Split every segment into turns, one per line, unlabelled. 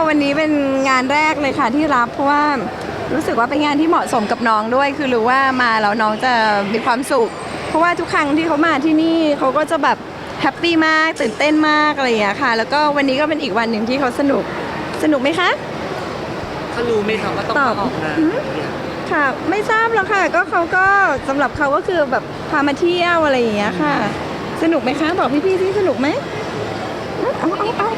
วันนี้เป็นงานแรกเลยค่ะที่รับเพราะว่ารู้สึกว่าเป็นงานที่เหมาะสมกับน้องด้วยคือรู้ว่ามาแล้วน้องจะมีความสุขเพราะว่าทุกครั้งที่เขามาที่นี่เขาก็จะแบบแฮปปี้มากตื่นเต้นมากอะไรอย่างเงี้ยค่ะแล้วก็วันนี้ก็เป็นอีกวันหนึ่งที่เขาสนุกไหมคะ
เขารู้ไหมครับว่าต้องมาออกงาน
ค่ะไม่ทราบหรอกค่ะก็เขาก็สำหรับเขาก็คือแบบพามาเที่ยวอะไรอย่างเงี้ยค่ะสนุกไหมคะบอกพี่ๆที่สนุกไหมเอา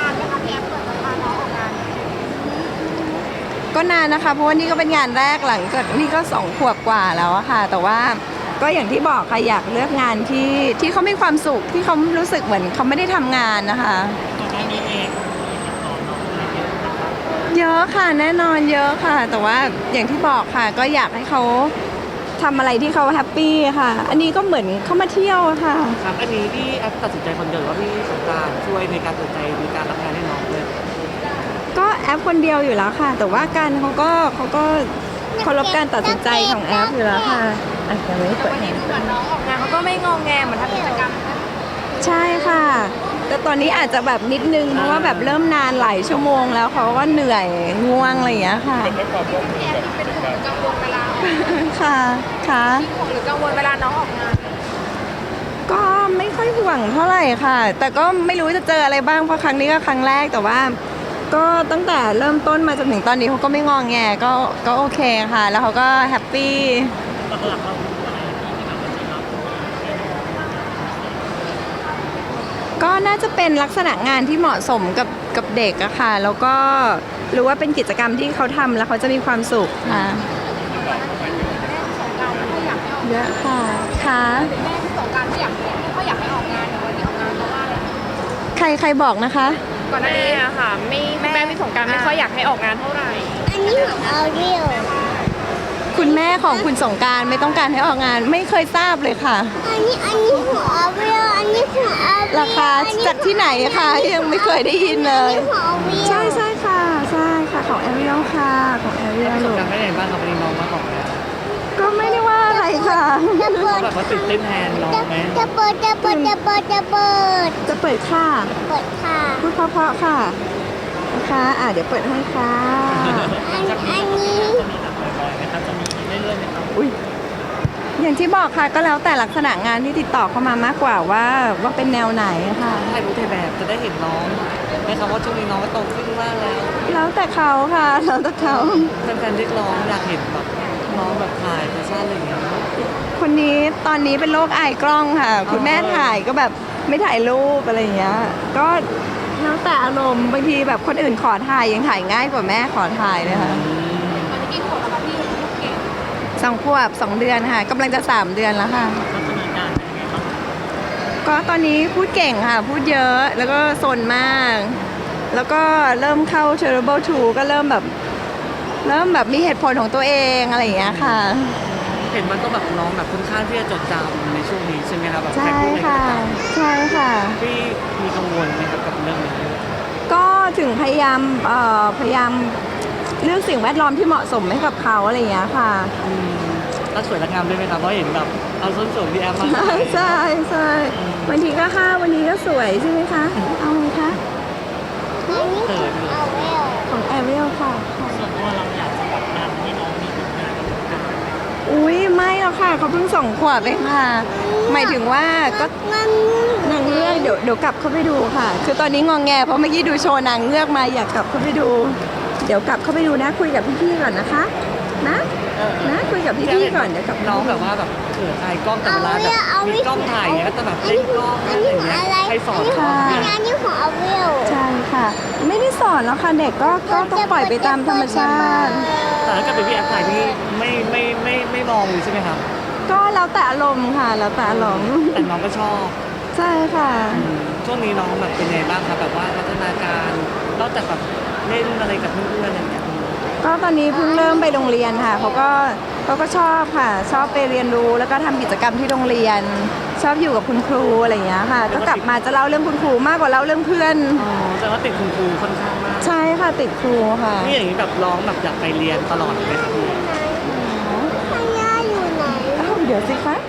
ก็นานนะคะเพราะว่านี่ก็เป็นงานแรกหลังจากนี่ก็2 ขวบกว่าแล้วอะค่ะแต่ว่าก็อย่างที่บอกค่ะอยากเลือกงานที่เขามีความสุขที่เขารู้สึกเหมือนเขาไม่ได้ทำงานนะคะเยอะค่ะแน่นอนเยอะค่ะแต่ว่าอย่างที่บอกค่ะก็อยากให้เขาทำอะไรที่เขาแฮปปี้ค่ะอันนี้ก็เหมือนเขามาเที่ยวค่ะ
ครับอันนี้พี่แอปตัดสินใจคนเดียวว่าพี่สงกรานต์ช่วยในการตัดสินใจในการรับงานให้น้องเลย
ก็แอปคนเดียวอยู่แล้วค่ะแต่ว่ากันเขาก็เคารพการตัดสินใจของแอปอยู่แล้วค่ะอาจจะไม่เปิดให้
น้องออกงานเขาก็ไม่งอแงเหมือนทำกิจกรรม
ใช่ค่ะแต่ตอนนี้อาจจะแบบนิดนึงเพราะว่าแบบเริ่มนานหลายชั่วโมงแล้วเขาก็เหนื่อยง่วงอะไรอย่างเงี้ยค่ะ
พี่แอฟเป็นห่วงกังวลเวลา
ค่ะ
ห่วงหรือกังวลเวลาน้องออกงาน
ก็ไม่ค่อยห่วงเท่าไหร่ค่ะแต่ก็ไม่รู้จะเจออะไรบ้างเพราะครั้งนี้ก็ครั้งแรกแต่ว่าก็ตั้งแต่เริ่มต้นมาจนถึงตอนนี้เขาก็ไม่งอแงก็โอเคค่ะแล้วเขาก็แฮปปี้ก็น่าจะเป็นลักษณะงานที่เหมาะสมกับเด็กอะค่ะแล้วก็รู้ว่าเป็นกิจกรรมที่เขาทำแล้วเขาจะมีความสุขค่ะเยอะค่ะ
แม่ที่สงการไม่ค่อยอยากให้ออกงานวันนี้ออกงานเพราะว่าอะไร
ใครบอกนะคะ
ก่อนหน้านี้อะค่ะแม่ที่สงการไม่ค่อยอยากให้ออกงานเท่าไหร่
อันนี้ของเอาเรียว
คุณแม่ของคุณสงการไม่ต้องการให้ออกงานไม่เคยทราบเลยค่ะ
อันนี้ของเอาเรียวอันนี้ของเอาเรียว
ราคาจากที่ไหนคะยังไม่เคยได้ยินเลยใช่ค่ะของแอเรียลค่ะของแอเรียล
สงกรานต์ไม่ได้บ้างครับวันนี้น้องมาออกแล้ว
ก็ไม่ได้ว่าอะไรค่ะ
แบบว่าตื่นเต้นแทนน้องไหม
จะเปิดค่ะ
พูดเพราะค่ะนะคะเดี๋ยวเปิดให้ค่ะ
อันนี้
อุ้ยอย่างที่บอกค่ะก็แล้วแต่ลักษณะงานที่ติดต่อเข้ามามากกว่าว่าเป็นแนวไหนค่ะ
ถ่ายรูปถ่ายแบบจะได้เห็นน้องไหมครับว่าช่วงนี้น้องก็โตขึ้นมาก
แล้วแต่เขาค่ะแล้วแต่เขา
แฟนๆเรียกร้องอยากเห็นแบบน้องแบบถ่ายแฟชั่นอะไรอย่างเงี้ย
คนนี้ตอนนี้เป็นโรคอายกล้องค่ะคุณแม่ถ่ายก็แบบไม่ถ่ายรูปอะไรอย่างเงี้ยก็แล้วแต่อารมณ์บางทีแบบคนอื่นขอถ่ายยังถ่ายง่ายกว่าแม่ขอถ่ายเลยค่ะ
ตอนนี้กี่ขวบแล้วคะพี่ลูกเก่ง
2 ขวบ 2 เดือนค่ะกำลังจะ3 เดือนแล้วค่ะก็ตอนนี้พูดเก่งค่ะพูดเยอะแล้วก็ซนมากแล้วก็เริ่มเข้า Terrible 2ก็เริ่มแบบมีเหตุผลของตัวเองอะไรอย่างเงี้ยค่ะ
เห็นมันก็แบบน้องแบบค่อนข้างที่จะจดจำในช่วงนี้ใช่ไหมครับแบบ
ใช่ค่ะ
พี่มีกังวลไหมครับกับเรื่องนี้
ก็ถึงพยายามเลือกสิ่งแวดล้อมที่เหมาะสมให้กับเขาอะไรอย่างเงี้ยค่ะ
แล้วสวยงามด้วยไหมครับเพราะเห็นแบบเอาส้นสูงที่แอปมา
ใช่วันทีก็5วันนี้ก็สวยใช่ไหมคะเอาไงคะ
อันนี้
ของแอเรียลค่ะ
ส่วนตัวเราอยากจะแบบงานให้น้องมีผลงานกับการ
อุ้ยไม่หรอกค่ะเขาเพิ่ง2 ขวบเองค่ะหมายถึงว่าก็นางเงือกเดี๋ยวกลับเข้าไปดูค่ะคือตอนนี้งองแงเพราะเมื่อกี้ดูโชว์นางเงือกมาอยากกลับเข้าไปดูเดี๋ยวกลับเข้าไปดูนะคุยกับพี่ๆก่อนนะคะนะคุยกับพี่ๆก่อนเดี๋ยวกลับ
น้องแบบว่าแบบเขินอายกล้องแต่เวลาแบบมีกล้องถ่ายก็จะแบบเล่นกล้องอะไรอย่างเงี้ยใครสอน
อันนี้ของเอาเรียว
ใช่ค่ะไม่ได้สอนแล้วค่ะเด็กก็ต้องปล่อยไปตามธรรมชาติ
แต่ถ้าเกิดเป็นพี่แอปถ่ายพี่ไม่มองเลยใช่ไหมครับ
ก็แล้วแต่อารมณ์ค่ะแล้วแต่อารมณ์
แต่น้องก็ชอบ
ใช่ค่ะ
ช่วงนี้น้องแบบเป็นไงบ้างครับแบบว่าพัฒนาการนอกจากแบบเล่นอะไรกับเพื่อนๆอะไรอย่างเงี้ย
ก็ตอนนี้เพิ่งเริ่มไปโรงเรียนค่ะเขาก็ชอบค่ะชอบไปเรียนรู้แล้วก็ทำกิจกรรมที่โรงเรียนชอบอยู่กับคุณครูอะไรอย่างเงี้ยค่ะก็กลับมาจะเล่าเรื่องคุณครูมากกว่าเล่าเรื่องเพื่อน
แต่ว่าติดคุณครูค่อนข้างมาก
ใช่ค่ะติดครูค่ะ
นี่อย่างนี้แบบร้องแบบอยากไปเรียนตลอดไหมครับพี่
พยาอยู่ไหน
เดี๋ยวสิคะ